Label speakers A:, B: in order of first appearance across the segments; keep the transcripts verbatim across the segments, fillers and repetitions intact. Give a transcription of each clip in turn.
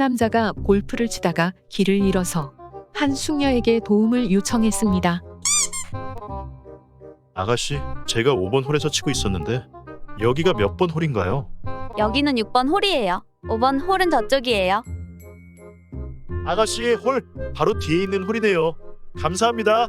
A: 남자가 골프를 치다가 길을 잃어서 한 숙녀에게 도움을 요청했습니다.
B: 아가씨, 제가 오 번 홀에서 치고 있었는데 여기가 몇 번 홀인가요?
C: 여기는 육 번 홀이에요. 오 번 홀은 저쪽이에요.
B: 아가씨의 홀 바로 뒤에 있는 홀이네요. 감사합니다.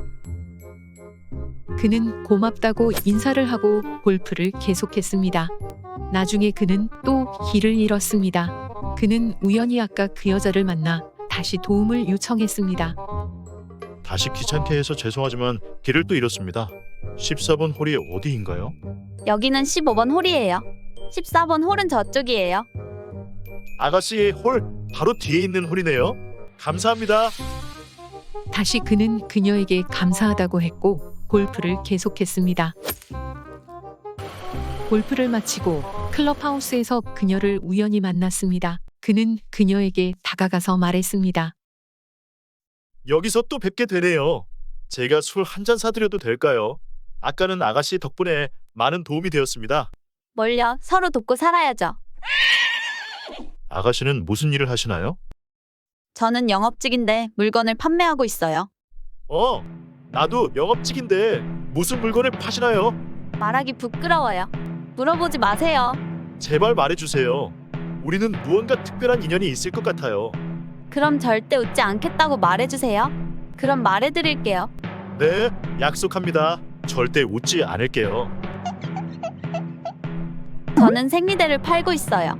A: 그는 고맙다고 인사를 하고 골프를 계속했습니다. 나중에 그는 또 길을 잃었습니다. 그는 우연히 아까 그 여자를 만나 다시 도움을 요청했습니다.
B: 다시 귀찮게 해서 죄송하지만 길을 또 잃었습니다. 십사 번 홀이 어디인가요?
C: 여기는 십오 번 홀이에요. 십사 번 홀은 저쪽이에요.
B: 아가씨의 홀 바로 뒤에 있는 홀이네요. 감사합니다.
A: 다시 그는 그녀에게 감사하다고 했고 골프를 계속했습니다. 골프를 마치고 클럽하우스에서 그녀를 우연히 만났습니다. 그는 그녀에게 다가가서 말했습니다.
B: 여기서 또 뵙게 되네요. 제가 술 한 잔 사드려도 될까요? 아까는 아가씨 덕분에 많은 도움이 되었습니다.
C: 뭘요? 서로 돕고 살아야죠.
B: 아가씨는 무슨 일을 하시나요?
C: 저는 영업직인데 물건을 판매하고 있어요.
B: 어, 나도 영업직인데 무슨 물건을 파시나요?
C: 말하기 부끄러워요. 물어보지 마세요.
B: 제발 말해주세요. 우리는 무언가 특별한 인연이 있을 것 같아요.
C: 그럼 절대 웃지 않겠다고 말해주세요. 그럼 말해드릴게요.
B: 네, 약속합니다. 절대 웃지 않을게요.
C: 저는 생리대를 팔고 있어요.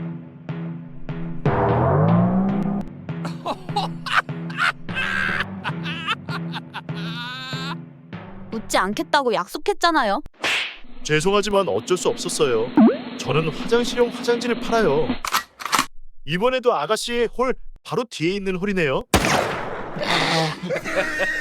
C: 웃지 않겠다고 약속했잖아요.
B: 죄송하지만 어쩔 수 없었어요. 저는 화장실용 화장지를 팔아요. 이번에도 아가씨의 홀 바로 뒤에 있는 홀이네요.